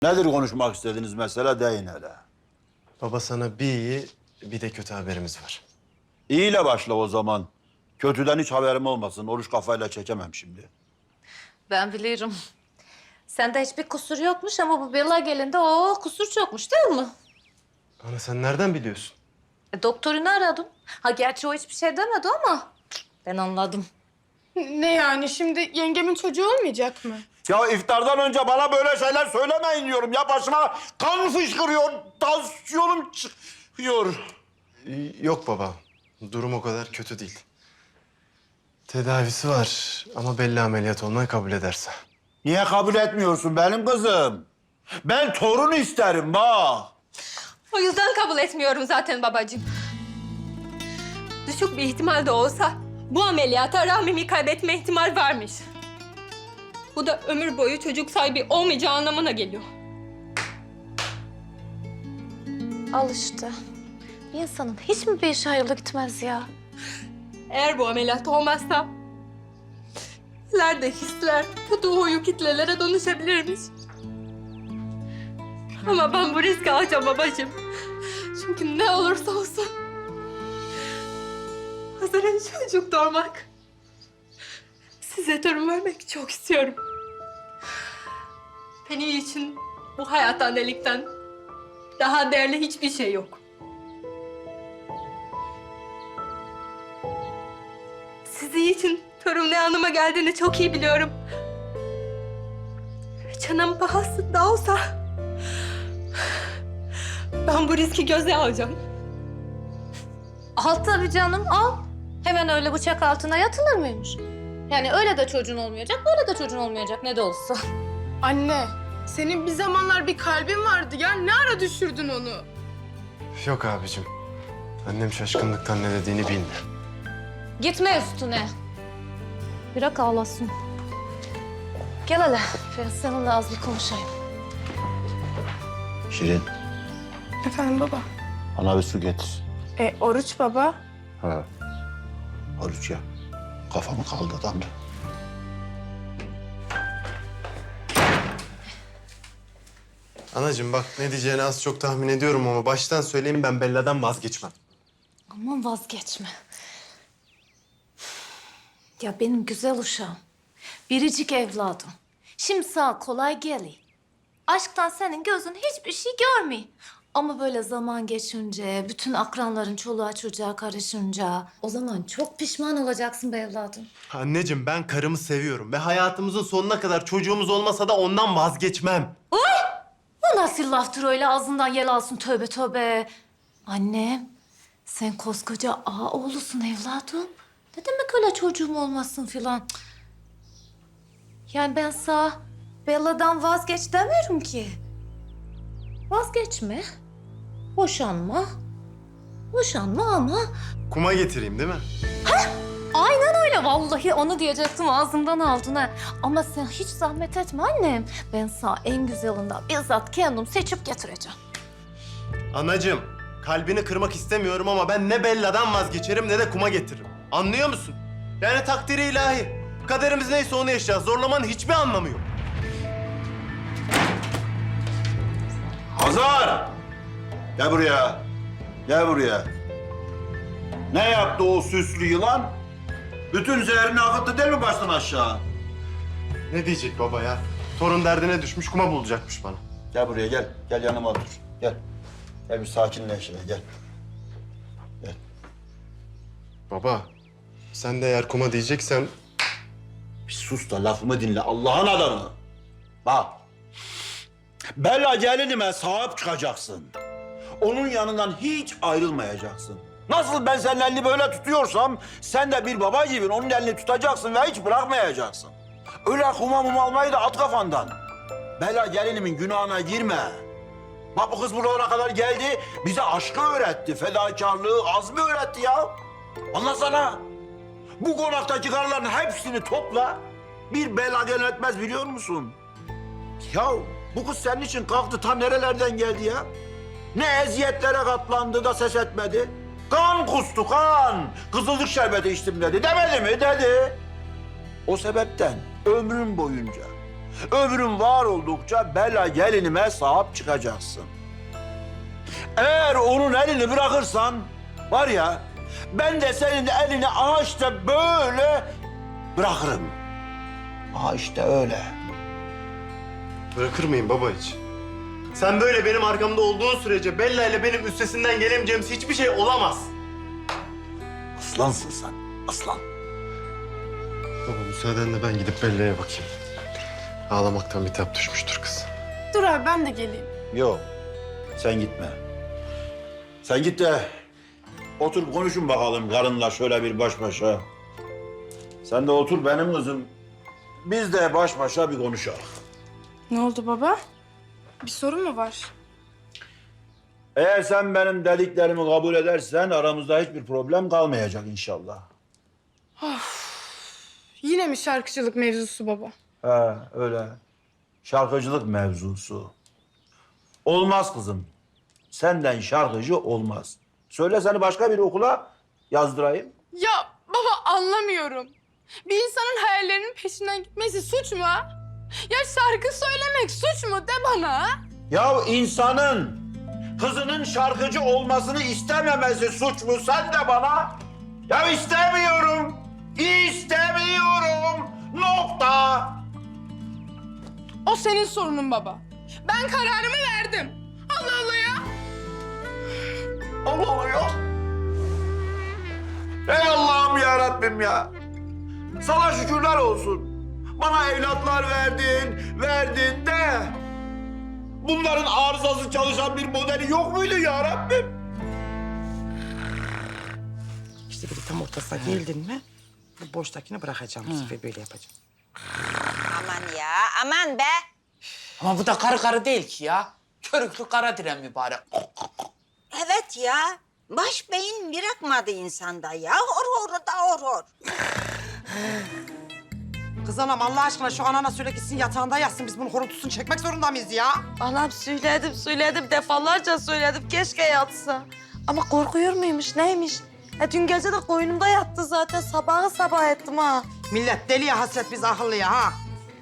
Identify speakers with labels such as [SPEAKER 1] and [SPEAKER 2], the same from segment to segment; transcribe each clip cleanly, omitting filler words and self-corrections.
[SPEAKER 1] Nedir konuşmak istediğiniz mesele, deyin hele.
[SPEAKER 2] Baba sana bir iyi bir de kötü haberimiz var.
[SPEAKER 1] İyiyle başla o zaman. Kötüden hiç haberim olmasın. Oruç kafayla çekemem şimdi.
[SPEAKER 3] Ben biliyorum. Sende hiçbir kusur yokmuş ama bu Bella gelinde o kusur çokmuş değil mi?
[SPEAKER 2] Ana sen nereden biliyorsun?
[SPEAKER 3] Doktorunu aradım. Ha gerçi o hiçbir şey demedi ama ben anladım.
[SPEAKER 4] Ne yani şimdi yengemin çocuğu olmayacak mı?
[SPEAKER 1] Ya iftardan önce bana böyle şeyler söylemeyin diyorum. Ya başıma kan fışkırıyor, tansiyonum çıkıyor.
[SPEAKER 2] Yok baba. Durum o kadar kötü değil. Tedavisi var ama belli ameliyat olmayı kabul ederse.
[SPEAKER 1] Niye kabul etmiyorsun benim kızım? Ben torun isterim bak.
[SPEAKER 5] O yüzden kabul etmiyorum zaten babacığım. Düşük bir ihtimal de olsa bu ameliyata rahmimi kaybetme ihtimal varmış. Bu da ömür boyu çocuk sahibi olmayacağı anlamına geliyor.
[SPEAKER 3] Al işte. Bir insanın hiç mi bir işi hayırlı gitmez ya?
[SPEAKER 5] Eğer bu ameliyat olmazsa ileride hisler kötü huyu kitlelere dönüşebilirmiş. Ama ben bu riski alacağım babacığım. Çünkü ne olursa olsun Hazar'a çocuk doğurmak, size torun vermek çok istiyorum. Benim için bu hayat annelikten daha değerli hiçbir şey yok. Sizin için torun ne anlama geldiğini çok iyi biliyorum. Canım pahası da olsa ben bu riski göze alacağım.
[SPEAKER 3] Al tabii canım al. Hemen öyle bıçak altına yatılır mıymış? Yani öyle de çocuğun olmayacak, böyle de çocuğun olmayacak ne de olsa.
[SPEAKER 4] Anne, senin bir zamanlar bir kalbin vardı ya. Ne ara düşürdün onu?
[SPEAKER 2] Yok abicim. Annem şaşkınlıktan ne dediğini bilmiyor.
[SPEAKER 3] Gitme üstüne. Bırak ağlasın. Gel hele. Ben seninle az bir konuşayım.
[SPEAKER 1] Şirin,
[SPEAKER 4] Efendim baba?
[SPEAKER 1] bana bir su getir.
[SPEAKER 4] Oruç baba.
[SPEAKER 1] Ha. Oruç ya. Kafamı kaldırdım.
[SPEAKER 2] Anacığım bak ne diyeceğini az çok tahmin ediyorum ama baştan söyleyeyim ben Bella'dan vazgeçmem.
[SPEAKER 3] Aman vazgeçme. Ya benim güzel uşağım. Biricik evladım. Şimdi sağ kolay geliyor. Aşktan senin gözün hiçbir şey görmüyor. Ama böyle zaman geçince, bütün akranların çoluğa çocuğa karışınca... ...o zaman çok pişman olacaksın be evladım.
[SPEAKER 2] Anneciğim ben karımı seviyorum ve hayatımızın sonuna kadar çocuğumuz olmasa da ondan vazgeçmem.
[SPEAKER 3] Bu nasıl laftır öyle ağzından yel alsın tövbe tövbe. Annem, sen koskoca ağa oğlusun evladım. Ne demek öyle çocuğum olmasın filan. Cık. Yani ben sana Bella'dan vazgeç demiyorum ki. Vazgeçme. Boşanma. Boşanma ama...
[SPEAKER 2] Kuma getireyim değil mi?
[SPEAKER 3] Aynen öyle vallahi onu diyecektim ağzımdan aldın ha. Ama sen hiç zahmet etme annem. Ben sana en güzelinden bizzat kendim seçip getireceğim.
[SPEAKER 2] Anacığım kalbini kırmak istemiyorum ama ben ne Bella'dan vazgeçerim ne de kuma getiririm. Anlıyor musun? Yani takdiri ilahi. Kaderimiz neyse onu yaşayacağız. Zorlamanın hiçbir anlamı yok.
[SPEAKER 1] Hazar! Gel buraya. Gel buraya. Ne yaptı o süslü yılan? Bütün zehrini akıttı değil mi baştan aşağı?
[SPEAKER 2] Ne diyecek baba ya? Torun derdine düşmüş kuma bulacakmış bana.
[SPEAKER 1] Gel buraya gel. Gel yanıma otur. Gel. Gel bir sakinleş şöyle gel. Gel.
[SPEAKER 2] Baba sen de eğer kuma diyeceksen
[SPEAKER 1] Bir sus da lafımı dinle Allah'ın adamı. Bak. Bella gelinime sahip çıkacaksın. Onun yanından hiç ayrılmayacaksın. Nasıl ben senin elini böyle tutuyorsam sen de bir baba gibi onun elini tutacaksın ve hiç bırakmayacaksın. Öyle kuma mum almayı da at kafandan. Bella gelinimin günahına girme. Bak bu kız buralara kadar geldi, bize aşkı öğretti, fedakarlığı, azmi öğretti ya. Anlasana. Bu konaktaki karıların hepsini topla, bir bela yönetmez biliyor musun? Ya bu kız senin için kalktı ta nerelerden geldi ya? Ne eziyetlere katlandı da ses etmedi. Kan kustu kan. Kızılcık şerbeti içtim dedi. Demedi mi? Dedi. O sebepten ömrüm boyunca Ömrün var oldukça Bella gelinime sahip çıkacaksın. Eğer onun elini bırakırsan var ya ben de senin elini ağaçta böyle bırakırım. İşte öyle.
[SPEAKER 2] Bırakır mıyım baba hiç? Sen böyle benim arkamda olduğun sürece Bella ile benim üstesinden gelemeyeceğimiz hiçbir şey olamaz.
[SPEAKER 1] Aslansın sen, aslan.
[SPEAKER 2] Baba müsaadenle ben gidip Bella'ya bakayım. Ağlamaktan bitap düşmüştür kız.
[SPEAKER 4] Dur abi ben de geleyim.
[SPEAKER 1] Yok, sen gitme. Sen git de otur konuşun bakalım karınla şöyle bir baş başa. Sen de otur benim kızım. Biz de baş başa bir konuşalım.
[SPEAKER 4] Ne oldu baba? Bir sorun mu var?
[SPEAKER 1] Eğer sen benim dediklerimi kabul edersen aramızda hiçbir problem kalmayacak inşallah.
[SPEAKER 4] Yine mi şarkıcılık mevzusu baba?
[SPEAKER 1] He öyle. Şarkıcılık mevzusu. Olmaz kızım. Senden şarkıcı olmaz. Söyle seni başka bir okula yazdırayım.
[SPEAKER 4] Ya baba anlamıyorum. Bir insanın hayallerinin peşinden gitmesi suç mu ha? Ya şarkı söylemek suç mu de bana ha?
[SPEAKER 1] Ya insanın kızının şarkıcı olmasını istememesi suç mu? Sen de bana. Ya istemiyorum. İstemiyorum. Nokta.
[SPEAKER 4] O senin sorunun baba. Ben kararımı verdim. Allah Allah ya.
[SPEAKER 1] Allah Allah ya. Ey Allah'ım ya Rabbim ya. Sana şükürler olsun. Bana evlatlar verdin de bunların arızası çalışan bir modeli yok muydu ya Rabbim?
[SPEAKER 6] İşte böyle tam ortasına geldin mi, bu boştakini bırakacağım bu sefer böyle yapacağım.
[SPEAKER 7] Aman ya, aman be.
[SPEAKER 8] Ama bu da karı değil ki ya. Körüklü kara diren mübarek.
[SPEAKER 7] Evet ya, baş beyin bırakmadı insanda ya. Hor da hor.
[SPEAKER 6] Kız anam Allah aşkına şu anana söyle gitsin yatağında yatsın. Biz bunun horultusunu çekmek zorunda mıyız ya?
[SPEAKER 9] Anam söyledim defalarca söyledim keşke yatsa. Ama korkuyor muymuş neymiş? Dün gece de koynumda yattı zaten sabah ettim ha.
[SPEAKER 6] Millet deliye hasret biz akıllıya ha.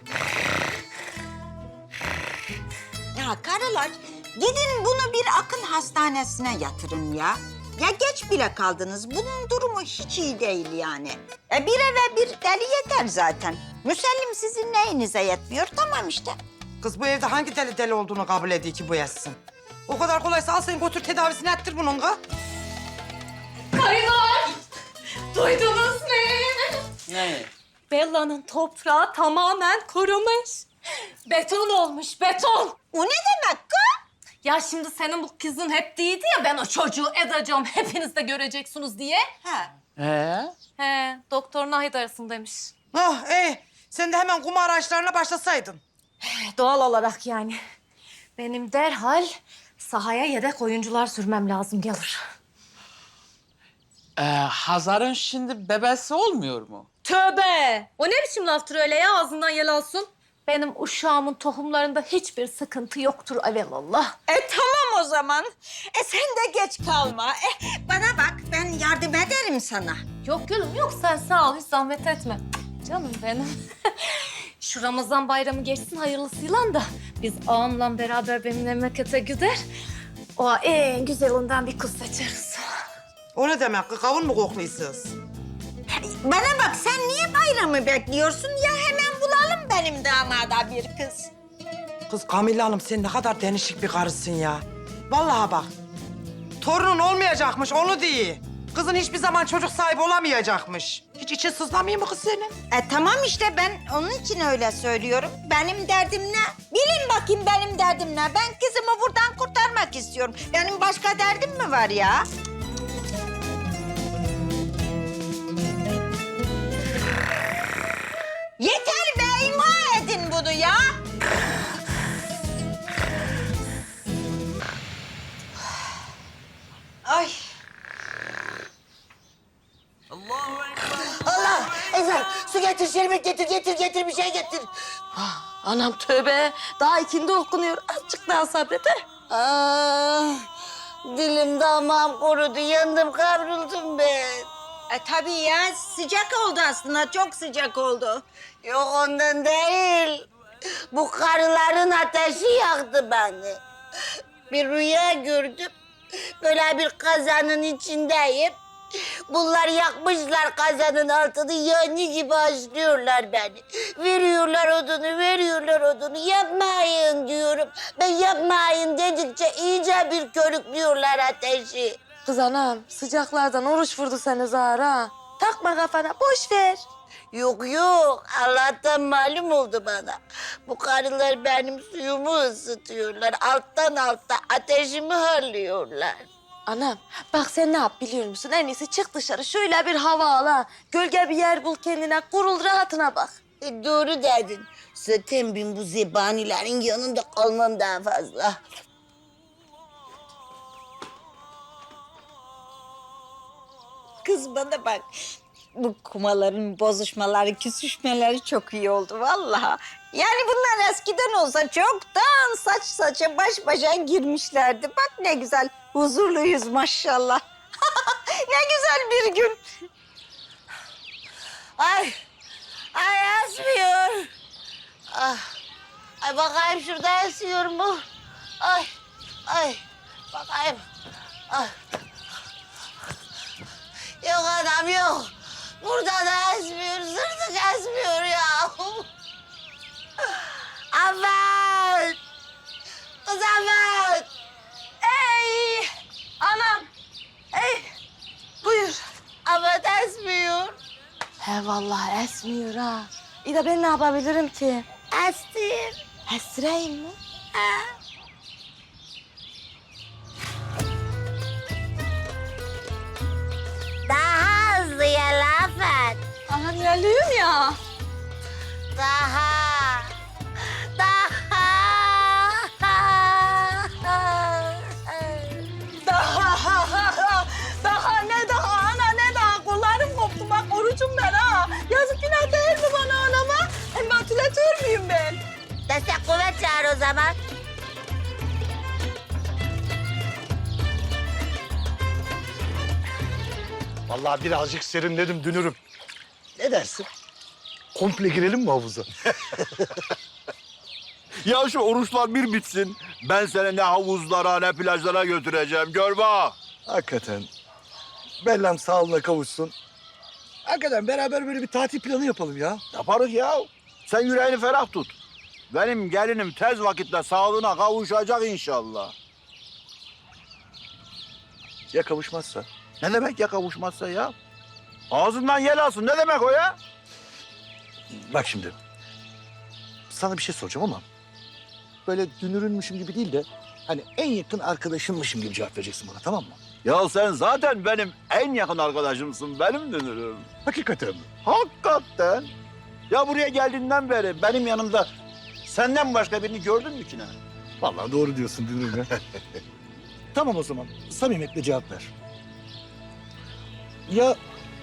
[SPEAKER 7] Ya karılar, gidin bunu bir akıl hastanesine yatırın ya. Ya geç bile kaldınız. Bunun durumu hiç iyi değil yani. Bir eve bir deli yeter zaten. Müsellim sizin neyinize yetmiyor? Tamam işte.
[SPEAKER 6] Kız bu evde hangi deli olduğunu kabul ediyor ki bu yazsın? O kadar kolaysa al sen götür tedavisini ettir bunun kız.
[SPEAKER 5] Karılar! Duydunuz mu?
[SPEAKER 8] Ne?
[SPEAKER 5] Bella'nın toprağı tamamen kurumuş. Beton olmuş, beton.
[SPEAKER 7] O ne demek kız?
[SPEAKER 3] Ya şimdi senin bu kızın hep değildi ya ben o çocuğu edeceğim hepiniz de göreceksiniz diye.
[SPEAKER 7] Ha.
[SPEAKER 3] He, doktor Nahit arasındaymış.
[SPEAKER 6] Ah sen de hemen kum araçlarına başlasaydın.
[SPEAKER 3] Doğal olarak yani. Benim derhal sahaya yedek oyuncular sürmem lazım gelir.
[SPEAKER 8] Hazar'ın şimdi bebesi olmuyor mu?
[SPEAKER 3] Tövbe! O ne biçim laftır öyle ya ağzından yel alsın? Benim uşağımın tohumlarında hiçbir sıkıntı yoktur evelallah.
[SPEAKER 7] Tamam o zaman. Sen de geç kalma. Bana bak, ben yardım ederim sana.
[SPEAKER 3] Yok gülüm yok sen sağ ol hiç zahmet etme. Canım benim. Şu Ramazan bayramı geçsin hayırlısıyla da biz ağamla beraber benim memlekete gider. O en güzelinden bir kız seçeriz.
[SPEAKER 6] O ne demek kız kavun mu kokluyorsunuz?
[SPEAKER 7] Bana bak, sen niye bayramı bekliyorsun? Ya hemen bulalım benim damada bir kız.
[SPEAKER 6] Kız Kamilla Hanım sen ne kadar denişik bir karısın ya. Vallahi bak. Torunun olmayacakmış onu değil. Kızın hiçbir zaman çocuk sahibi olamayacakmış. Hiç için sızlamıyor mu kız senin?
[SPEAKER 7] Tamam işte ben onun için öyle söylüyorum. Benim derdim ne? Bilin bakayım benim derdim ne? Ben kızımı buradan kurtarmak istiyorum. Benim başka derdim mi var ya? Yeter be, imha edin bunu ya. Ay.
[SPEAKER 9] Allah! Ezel su getir şerbet getir bir şey getir. Anam tövbe daha ikindi okunuyor azıcık daha sabret he. Dilim damağım kurudu yandım kavruldum ben.
[SPEAKER 7] Tabii ya, sıcak oldu aslında, çok sıcak oldu.
[SPEAKER 9] Yok ondan değil.
[SPEAKER 7] Bu karıların ateşi yaktı beni. Bir rüya gördüm. Böyle bir kazanın içindeyim. Bunlar yakmışlar kazanın altını, yani gibi açlıyorlar beni. Veriyorlar odunu, yapmayın diyorum. Ben yapmayın dedikçe iyice bir körüklüyorlar ateşi.
[SPEAKER 9] Kız anam sıcaklardan oruç vurdu seni Zahra. Takma kafana boş ver.
[SPEAKER 7] Yok, Allah'tan malum oldu bana. Bu karılar benim suyumu ısıtıyorlar. Alttan alta ateşimi hırlıyorlar.
[SPEAKER 9] Anam bak sen ne yap biliyor musun? En iyisi çık dışarı şöyle bir hava al ha. Gölge bir yer bul kendine, kurul rahatına bak.
[SPEAKER 7] Doğru dedin. Zaten ben bu zebanilerin yanında kalmam daha fazla. Kız bana bak. Bu kumaların bozuşmaları, küsüşmeleri çok iyi oldu vallahi. Yani bunlar eskiden olsa çoktan saç saça baş başa girmişlerdi. Bak ne güzel huzurluyuz maşallah. Ne güzel bir gün. Ay esmiyor. Ay bakayım şurada esiyor mu? Ay bakayım. Yok adam yok. Burada da esmiyor, zırtık esmiyor ya. Afet! Kız Afet!
[SPEAKER 9] Ey anam. Ey buyur.
[SPEAKER 7] Afet esmiyor.
[SPEAKER 9] He vallahi esmiyor ha. İyi de ben ne yapabilirim ki?
[SPEAKER 7] Estir.
[SPEAKER 9] Estireyim mi?
[SPEAKER 7] Daha hızlı ya Afet.
[SPEAKER 9] Anam ilerliyorum ya.
[SPEAKER 7] Daha.
[SPEAKER 9] Daha ne daha ana ne daha kollarım koptu bak orucum ben ha. Yazık günah değil mi bana anama? Hem atülatör müyüm ben?
[SPEAKER 7] Destek kuvvet çağır o zaman.
[SPEAKER 10] Vallahi birazcık serinledim dünürüm.
[SPEAKER 1] Ne dersin?
[SPEAKER 10] Komple girelim mi havuza?
[SPEAKER 1] Ya şu oruçlar bir bitsin. Ben seni ne havuzlara ne plajlara götüreceğim. Gör bak.
[SPEAKER 10] Hakikaten. Bellam sağlığına kavuşsun. Hakikaten beraber böyle bir tatil planı yapalım ya.
[SPEAKER 1] Yaparız ya. Sen yüreğini ferah tut. Benim gelinim tez vakitte sağlığına kavuşacak inşallah.
[SPEAKER 10] Ya kavuşmazsa?
[SPEAKER 1] Ne demek ya kavuşmazsa ya? Ağzından yel alsın. Ne demek o ya?
[SPEAKER 10] Bak şimdi. Sana bir şey soracağım ama... ...böyle dünürünmüşüm gibi değil de... ...hani en yakın arkadaşınmışım gibi cevap vereceksin bana, tamam mı?
[SPEAKER 1] Ya sen zaten benim en yakın arkadaşımsın. Benim dönürüm.
[SPEAKER 10] Hakikaten mi?
[SPEAKER 1] Hakikaten. Ya buraya geldiğinden beri benim yanımda senden başka birini gördün mü ki ne?
[SPEAKER 10] Vallahi doğru diyorsun dünürüm ya. Tamam o zaman. Samimiyetle cevap ver. Ya...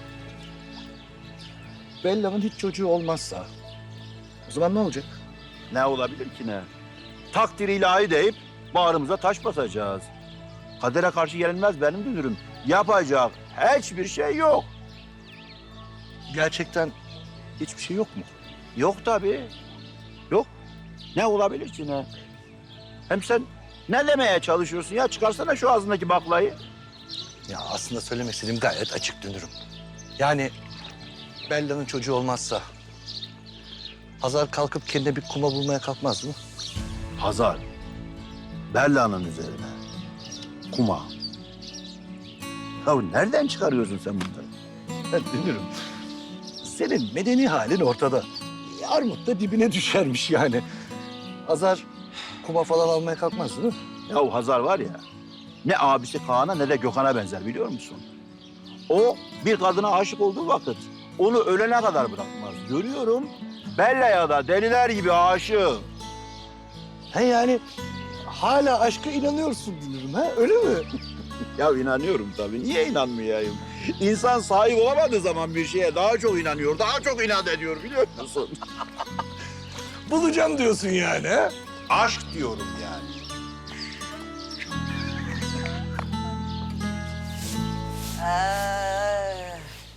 [SPEAKER 10] ...Bella'nın hiç çocuğu olmazsa... ...o zaman ne olacak?
[SPEAKER 1] Ne olabilir ki ne? Takdir ilahi deyip bağrımıza taş basacağız. Kadere karşı gelinmez benim dünürüm. Yapacak hiçbir şey yok.
[SPEAKER 10] Gerçekten hiçbir şey yok mu?
[SPEAKER 1] Yok tabii. Yok. Ne olabilir ki ne? Hem sen ne demeye çalışıyorsun ya? Çıkarsana şu ağzındaki baklayı.
[SPEAKER 10] Ya aslında söylemek istediğim gayet açık dünürüm. Yani Bella'nın çocuğu olmazsa... ...Hazar kalkıp kendine bir kuma bulmaya kalkmaz mı?
[SPEAKER 1] Hazar. Bella'nın üzerine. Kuma. Ya nereden çıkarıyorsun sen bunları?
[SPEAKER 10] Dünürüm. Senin medeni halin ortada. Armut da dibine düşermiş yani. Hazar kuma falan almaya kalkmaz değil mi?
[SPEAKER 1] Ya Hazar var ya, ne abisi Kaan'a ne de Gökhan'a benzer biliyor musun? O bir kadına aşık olduğu vakit onu ölene kadar bırakmaz. Görüyorum, Bella'ya da deliler gibi aşık.
[SPEAKER 10] He yani hala aşka inanıyorsun dünürüm ha öyle mi?
[SPEAKER 1] Ya inanıyorum tabii. Niye inanmayayım? İnsan sahip olamadığı zaman bir şeye daha çok inanıyor, daha çok inat ediyor biliyor musun?
[SPEAKER 10] Bulacağım diyorsun yani ha?
[SPEAKER 1] Aşk diyorum yani.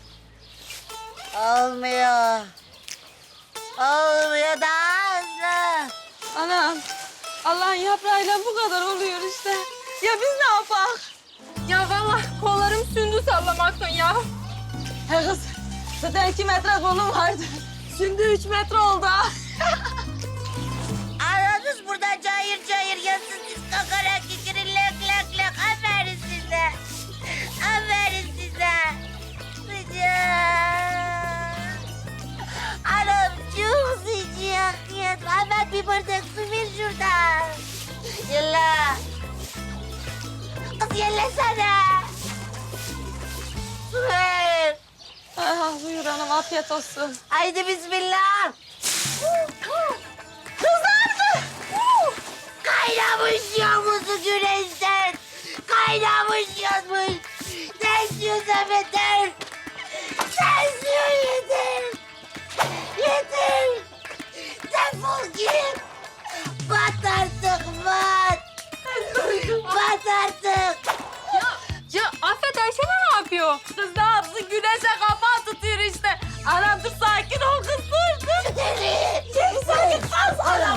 [SPEAKER 7] Olmuyor. Olmuyor daha hızlı.
[SPEAKER 9] yaprağıyla bu kadar oluyor işte. Ya biz ne yapak?
[SPEAKER 5] Ya vallahi kollarım sündü sallamaktan ya.
[SPEAKER 9] He kız, zaten 2 metre kolum vardı. Şimdi 3 metre oldu ha.
[SPEAKER 7] Aranız burada cayır cayır yansın siz kakarak kikirin lök lök lök. Aferin size. Aferin size. Sıcak. Anam çok sıcak. Hemen bir bardak su ver şuradan. Yalla. Kız yellasana. Su ver.
[SPEAKER 9] Ah, buyur hanım, afiyet olsun.
[SPEAKER 7] Haydi bismillah. Kızardı. Kaynamış yağmuzu güneşten. Kaynamış yanmış. Sen suya yeter. Sen suya yeter. Yeter. Defol git. Bat artık bat. Bat artık.
[SPEAKER 5] Ya Afet Ayşe ne yapıyor?
[SPEAKER 9] Kız ne yapsın? Güneşe kapağı tutuyor işte. Anam dur, sakin ol kız, dur.
[SPEAKER 7] Deli. Sakin kız. Anam.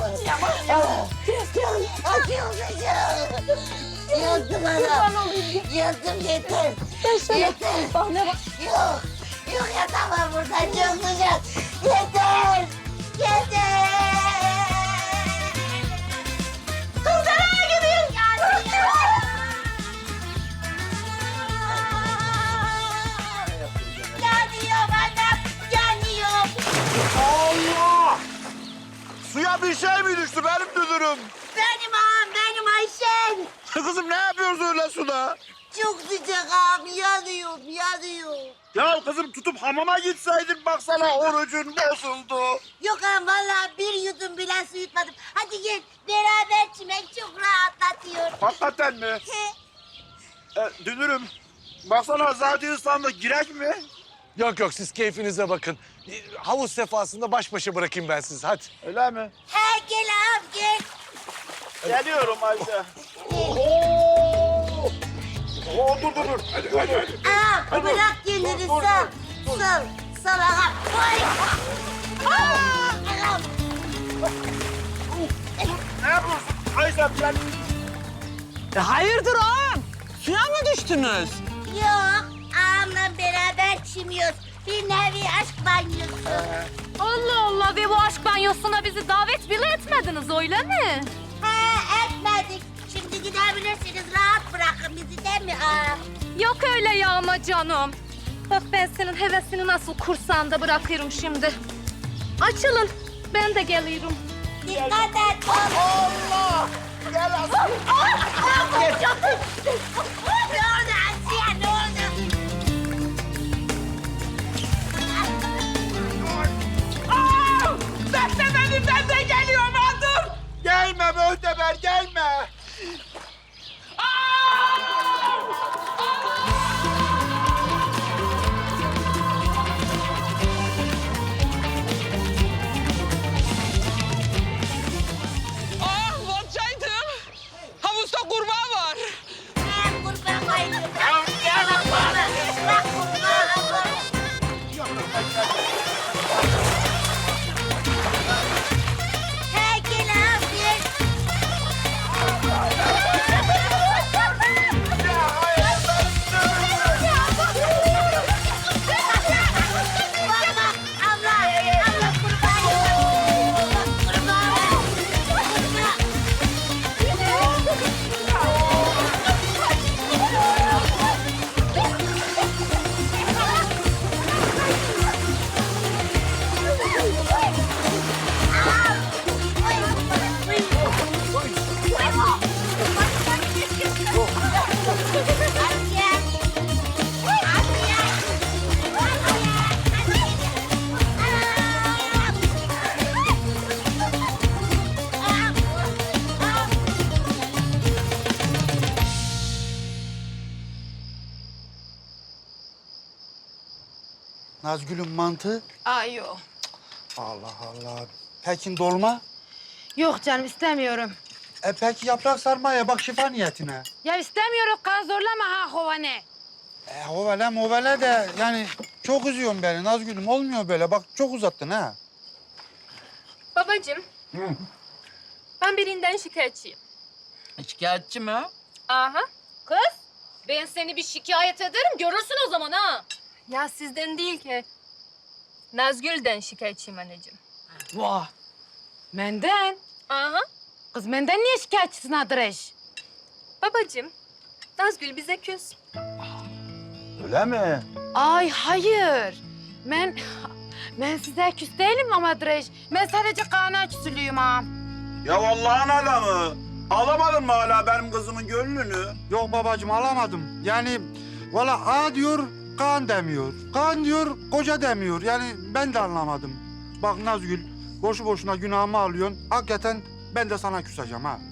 [SPEAKER 7] Yaktım anam. Yaktım yeter. Yeter.
[SPEAKER 9] Bak ne bak.
[SPEAKER 7] Yok. Yok yatamam burada. Çok sıcak. Yeter. Yeter. Kız nereye gidiyorsun? Yanıyorum anam. Yanıyorum.
[SPEAKER 1] Allah! Suya bir şey mi düştü benim dünürüm?
[SPEAKER 7] Benim ağam, benim Ayşen.
[SPEAKER 1] Kızım ne yapıyorsun öyle suda?
[SPEAKER 7] Çok sıcak ağam. Yanıyorum, yanıyorum.
[SPEAKER 1] Ya kızım tutup hamama gitseydin baksana orucun bozuldu.
[SPEAKER 7] Yok ağam vallahi bir yudum bile su yutmadım. Hadi gel beraber çimek çok rahatlatıyor.
[SPEAKER 1] Hakikaten mi? Dünürüm baksana zaten ıslandık girek mi?
[SPEAKER 10] Yok yok siz keyfinize bakın. Havuz sefasında baş başa bırakayım ben sizi hadi.
[SPEAKER 1] Öyle mi?
[SPEAKER 7] He gel ağam gel.
[SPEAKER 1] Geliyorum Ayşe. Oo, dur. Hadi.
[SPEAKER 7] Ağam bırak kendini sal. Sal ağam. Oy. Ağam.
[SPEAKER 1] Ne yapıyorsun Ayşe sen?
[SPEAKER 6] Hayırdır ağam? Suya mı düştünüz?
[SPEAKER 7] Yok ağamla beraber çimiyoruz. Bir nevi aşk banyosu.
[SPEAKER 3] Allah Allah ve bu aşk banyosuna bizi davet bile etmediniz öyle mi?
[SPEAKER 7] He etmedik. Şimdi gidebilirsiniz. Rahat bırakın bizi değil mi ağam?
[SPEAKER 3] Yok öyle yağma canım. Bak ben senin hevesini nasıl kursağında bırakıyorum şimdi. Açılın. Ben de geliyorum.
[SPEAKER 7] Dikkat et. Allah! Gel Asiye. Ne oldu Asiye? Ne oldu?
[SPEAKER 6] Ben de geliyorum ha, dur.
[SPEAKER 1] Gelme Möhteber gelme.
[SPEAKER 6] Ah, batacaydım. Havuzda kurbağa var.
[SPEAKER 7] Ben kurban koydum. Gel bak. Bak kurban. He gel abi. Bak bak abla. Abla kurban. Kurban.
[SPEAKER 11] Nazgül'ün mantı.
[SPEAKER 4] Ay yok.
[SPEAKER 11] Allah Allah. Peki dolma?
[SPEAKER 4] Yok canım istemiyorum.
[SPEAKER 11] Peki yaprak sarmaya bak şifa niyetine.
[SPEAKER 4] Ya istemiyorum kan zorlama ha hovane.
[SPEAKER 11] Hovele de yani çok üzüyorsun beni Nazgül'üm. Olmuyor böyle. Bak çok uzattın ha.
[SPEAKER 5] Babacığım. Ben birinden şikayetçiyim.
[SPEAKER 8] Şikayetçi mi?
[SPEAKER 3] Aha. Kız, ben seni bir şikayet ederim, görürsün o zaman ha.
[SPEAKER 4] Ya sizden değil ki. Nazgül'den şikayetçiyim anneciğim.
[SPEAKER 9] Vah. Menden.
[SPEAKER 3] Aha.
[SPEAKER 9] Kız menden niye şikayetçisin Adreş?
[SPEAKER 4] Babacığım, Nazgül bize küs.
[SPEAKER 1] Öyle mi?
[SPEAKER 9] Ay hayır. Ben size küs değilim ama Adreş. Ben sadece Kaan'a küsülüyüm ha.
[SPEAKER 1] Ya Allah'ın adamı. Alamadın mı hala benim kızımın gönlünü?
[SPEAKER 11] Yok babacığım alamadım. Yani valla A diyor Kaan demiyor. Kaan diyor koca demiyor. Yani ben de anlamadım. Bak Nazgül boşu boşuna günahımı alıyorsun. Hakikaten ben de sana küseceğim ha.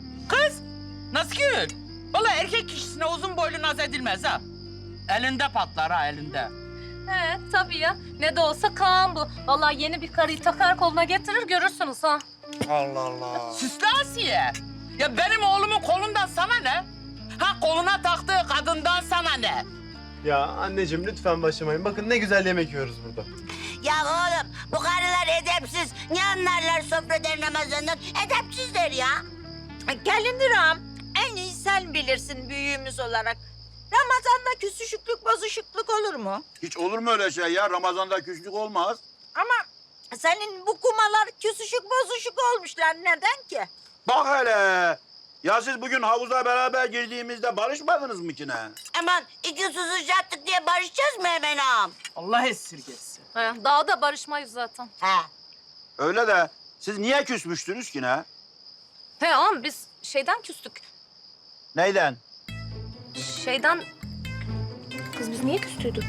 [SPEAKER 8] Nazgül. Vallahi erkek kişisine uzun boylu naz edilmez ha. Elinde patlar ha elinde.
[SPEAKER 3] He, tabii ya. Ne de olsa Kaan bu. Vallahi yeni bir karıyı takar koluna getirir, görürsünüz ha.
[SPEAKER 11] Allah Allah.
[SPEAKER 8] Süslü Asiye. Ya benim oğlumun kolundan sana ne? Ha koluna taktığı kadından sana ne?
[SPEAKER 2] Ya anneciğim lütfen başlamayın. Bakın ne güzel yemek yiyoruz burada.
[SPEAKER 7] Ya oğlum bu karılar edepsiz. Ne anlarlar sofradan Ramazan'dan? Edepsizler ya. Gelindir ağam. En iyi sen bilirsin büyüğümüz olarak. Ramazan'da küsüşüklük bozuşukluk olur mu?
[SPEAKER 1] Hiç olur mu öyle şey ya? Ramazan'da küslük olmaz.
[SPEAKER 7] Ama senin bu kumalar küsüşük bozuşuk olmuşlar. Neden ki?
[SPEAKER 1] Bak hele. Ya siz bugün havuza beraber girdiğimizde barışmadınız mı ki ne?
[SPEAKER 7] Aman iki susuşacaktık diye barışacağız mı hemen ağam?
[SPEAKER 8] Allah esirgesin.
[SPEAKER 3] He, daha da barışmayız zaten.
[SPEAKER 7] He.
[SPEAKER 1] Öyle de siz niye küsmüştünüz ki ne?
[SPEAKER 3] He ama biz şeyden küstük.
[SPEAKER 1] Neyden?
[SPEAKER 3] Şeyden... Kız biz niye küstüydük?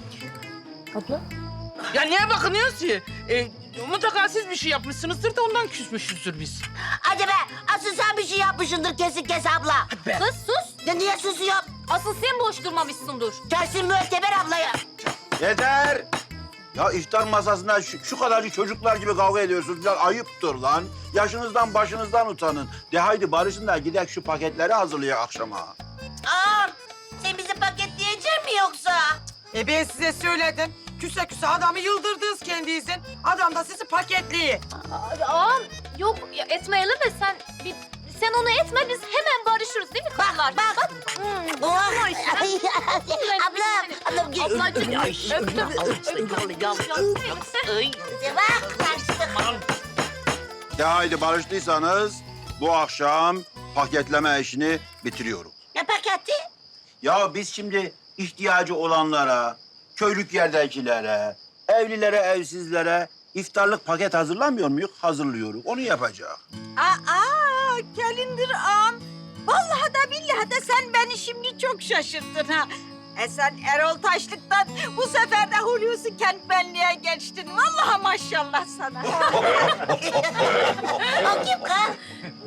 [SPEAKER 3] Abla?
[SPEAKER 8] Ya niye bakınıyorsun ki? Mutlaka siz bir şey yapmışsınızdır da ondan küsmüşüzdür biz.
[SPEAKER 7] Hadi be asıl sen bir şey yapmışsındır kesin kes abla.
[SPEAKER 3] Kız sus.
[SPEAKER 7] Ya niye susuyor?
[SPEAKER 3] Asıl sen boş durmamışsındır.
[SPEAKER 7] Tersin müteber ablayı.
[SPEAKER 1] Yeter! Ya iftar masasında şu kadarcık çocuklar gibi kavga ediyorsunuz. Biraz ayıptır lan. Yaşınızdan başınızdan utanın. De haydi barışın da gidek şu paketleri hazırlayalım akşama.
[SPEAKER 7] Ağam sen bizi paketleyecek mi yoksa?
[SPEAKER 6] Ben size söyledim. Küse küse adamı yıldırdınız kendinizin. Adam da sizi paketliyor.
[SPEAKER 3] Ağam yok ya, etmeyelim de sen onu etme, biz hemen barışırız değil mi kızlar?
[SPEAKER 7] Bak. Oh. Ablam gel.
[SPEAKER 3] Ablacığım öptüm.
[SPEAKER 7] Bak kaçtık.
[SPEAKER 1] De haydi barıştıysanız bu akşam paketleme işini bitiriyorum.
[SPEAKER 7] Ne paketi?
[SPEAKER 1] Ya biz şimdi ihtiyacı olanlara, köylük yerdekilere, evlilere, evsizlere iftarlık paket hazırlamıyor muyuz? Hazırlıyoruz. Onu yapacak.
[SPEAKER 7] Gelindir ağam. Vallahi da billahi de sen beni şimdi çok şaşırttın ha. Sen Erol Taşlık'tan bu sefer de Hulusi Kentbenli'ye geçtin. Vallahi maşallah sana. O kim kız?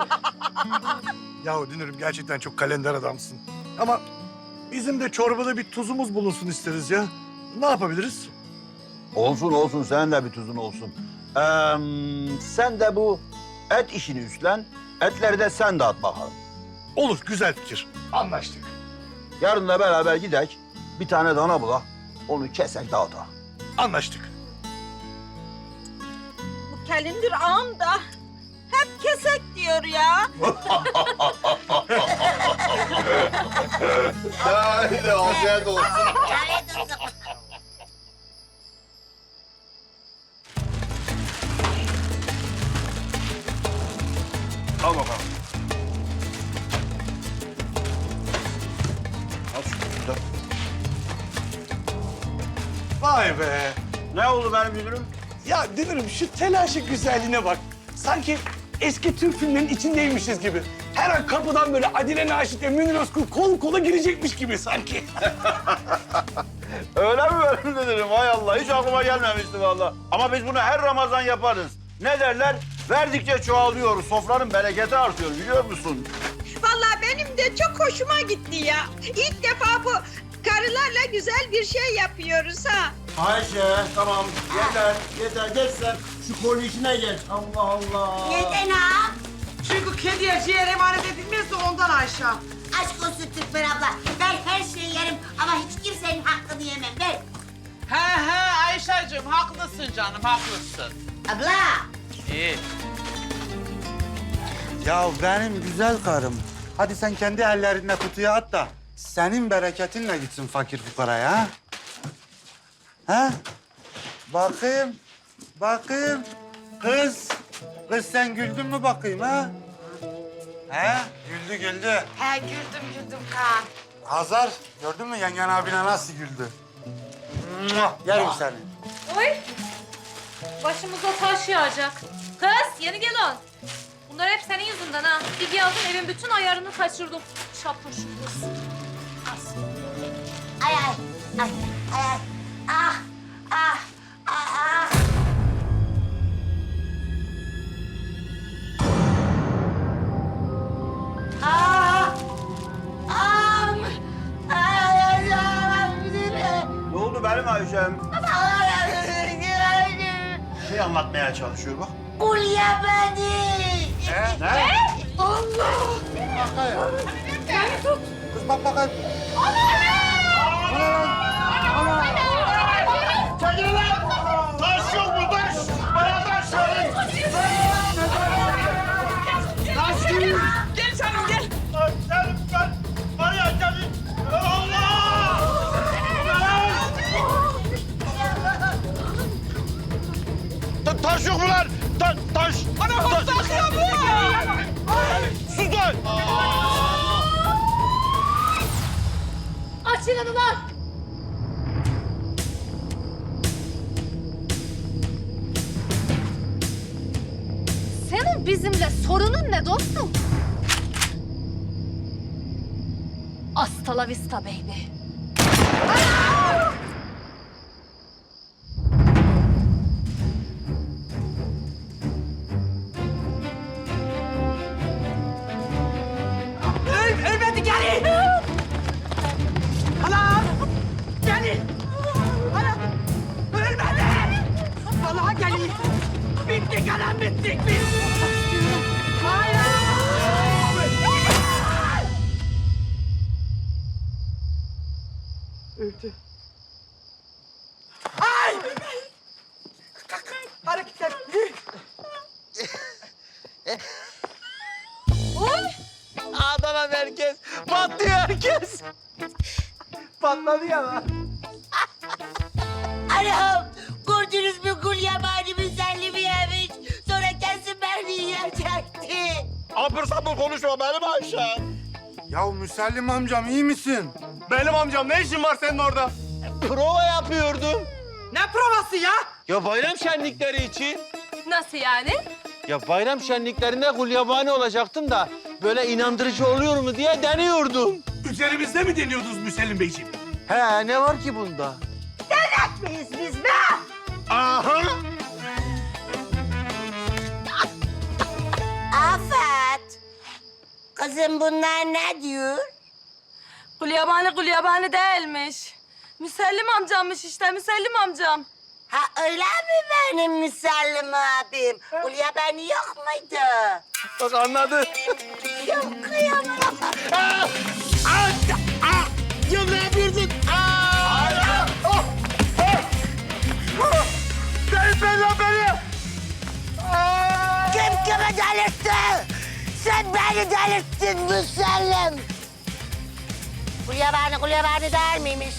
[SPEAKER 10] Yahu Dünür'üm gerçekten çok kalender adamsın. Ama bizim de çorbada bir tuzumuz bulunsun isteriz ya. Ne yapabiliriz?
[SPEAKER 1] Olsun olsun, sen de bir tuzun olsun. Sen de bu et işini üstlen, etleri de sen dağıt bakalım.
[SPEAKER 10] Olur, güzel fikir. Anlaştık.
[SPEAKER 1] Yarın da beraber gidek, bir tane dana bulak, onu kesek dağıtak.
[SPEAKER 10] Anlaştık.
[SPEAKER 7] Bu Gelindir ağam da hep kesek diyor ya.
[SPEAKER 2] Haydi afiyet olsun.
[SPEAKER 1] Al bakalım. Al şunu da.
[SPEAKER 10] Vay be.
[SPEAKER 1] Ne oldu benim müdürüm?
[SPEAKER 10] Ya Dünür'üm şu telaşın güzelliğine bak. Sanki eski Türk filmlerinin içindeymişiz gibi. Her an kapıdan böyle Adile Naşit ve Münir Özkul kol kola girecekmiş gibi sanki.
[SPEAKER 1] Öyle mi benim müdürüm? Hay Allah, hiç aklıma gelmemişti vallahi. Ama biz bunu her Ramazan yaparız. Ne derler? Verdikçe çoğalıyor, sofranın bereketi artıyor, biliyor musun?
[SPEAKER 7] Vallahi benim de çok hoşuma gitti ya. İlk defa bu karılarla güzel bir şey yapıyoruz ha.
[SPEAKER 1] Ayşe, tamam. Yeter. Geç sen. Şu kolu içine geç. Allah Allah.
[SPEAKER 7] Neden ha?
[SPEAKER 6] Çünkü kediye ciğer emanet edilmez de ondan Ayşe.
[SPEAKER 7] Aşk olsun Türkmen abla. Ben her şeyi yerim ama hiç kimsenin hakkını yemem. Ben.
[SPEAKER 8] He Ayşe'cim haklısın canım haklısın.
[SPEAKER 7] Abla.
[SPEAKER 8] İyi.
[SPEAKER 11] Ya benim güzel karım. Hadi sen kendi ellerinle kutuya at da senin bereketinle gitsin fakir fukaraya ha? Ha? Bakayım, bakayım. Kız sen güldün mü bakayım ha? He? Güldü.
[SPEAKER 9] He güldüm Kaan.
[SPEAKER 11] Hazar, gördün mü yengen abine nasıl güldü? Muah, yerim seni.
[SPEAKER 3] Oy! Başımıza taş yağacak. Kız yeni gelin. Bunlar hep senin yüzünden ha. Bir geldin evin bütün ayarını kaçırdım. Şapur şupur.
[SPEAKER 7] Ay ay ay ay ay. Ah ah ah ah. Ah! Am! Ay ay ay.
[SPEAKER 1] Ne oldu benim Ayşem? Bir şey anlatmaya çalışıyor bak.
[SPEAKER 7] Hulya beni.
[SPEAKER 1] Ne?
[SPEAKER 11] Kız bak bakayım.
[SPEAKER 1] Çekil lan! Taş yok mu taş? Bana taş verin! Taş değil!
[SPEAKER 4] Gel canım gel.
[SPEAKER 1] Ben var ya gelin! Allah! Taş yok mu lan? Taş!
[SPEAKER 4] Ana hortlak ya bu.
[SPEAKER 1] Sus lan!
[SPEAKER 3] Açılın ulan! Senin bizimle sorunun ne dostum? Hasta la vista baby.
[SPEAKER 6] Ölmedi gelin. Anam. Gelin. Anam. Ölmedi. Vallahi gelin. Bittik anam bittik biz. Hayır. Öldü. Ay. Hareket et.
[SPEAKER 2] Adana merkez. Patlıyor herkes. Patladı ya lan.
[SPEAKER 7] Anam gördünüz mü Gulyabani müsellimi yemiş. Sonra kesin beni yiyecekti.
[SPEAKER 1] Apır sapır konuşma benim Ayşem.
[SPEAKER 11] Ya Müsellim amcam iyi misin?
[SPEAKER 2] Benim amcam ne işin var senin orada? Prova yapıyordum.
[SPEAKER 6] Ne provası ya?
[SPEAKER 2] Ya bayram şenlikleri için.
[SPEAKER 3] Nasıl yani?
[SPEAKER 2] Ya bayram şenliklerinde gulyabani olacaktım da böyle inandırıcı oluyor mu diye deniyordum.
[SPEAKER 10] Üzerimizde mi deniyordunuz Müsellim Beyciğim?
[SPEAKER 2] He ne var ki bunda?
[SPEAKER 7] Miyiz biz be?
[SPEAKER 1] Aha!
[SPEAKER 7] Afet. Kızım bunlar ne diyor?
[SPEAKER 9] Gulyabani değilmiş. Müsellim amcammış işte, Müsellim amcam.
[SPEAKER 7] Ha öyle mi benim Müsellim abim? Gulyabani yok muydu?
[SPEAKER 2] Bak anladı.
[SPEAKER 7] Yok kıyamam.
[SPEAKER 2] Ya ne yapıyorsun?
[SPEAKER 1] Delirtme lan beni!
[SPEAKER 7] Kim kimi delirtti? Sen beni delirttin Müsellim. Gulyabani der miymiş?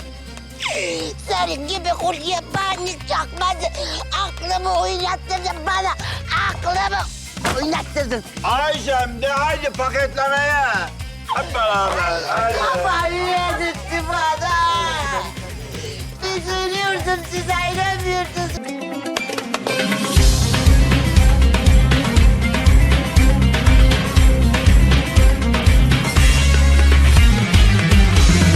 [SPEAKER 7] Senin gibi Gulyabani çakmadı. Aklımı oynattırdın bana. Aklımı oynattırdın.
[SPEAKER 1] Ayşem de haydi paketlemeye. Hep beraber. Haydi.
[SPEAKER 7] Kafayı yedirtti bana. Üzülüyordum size.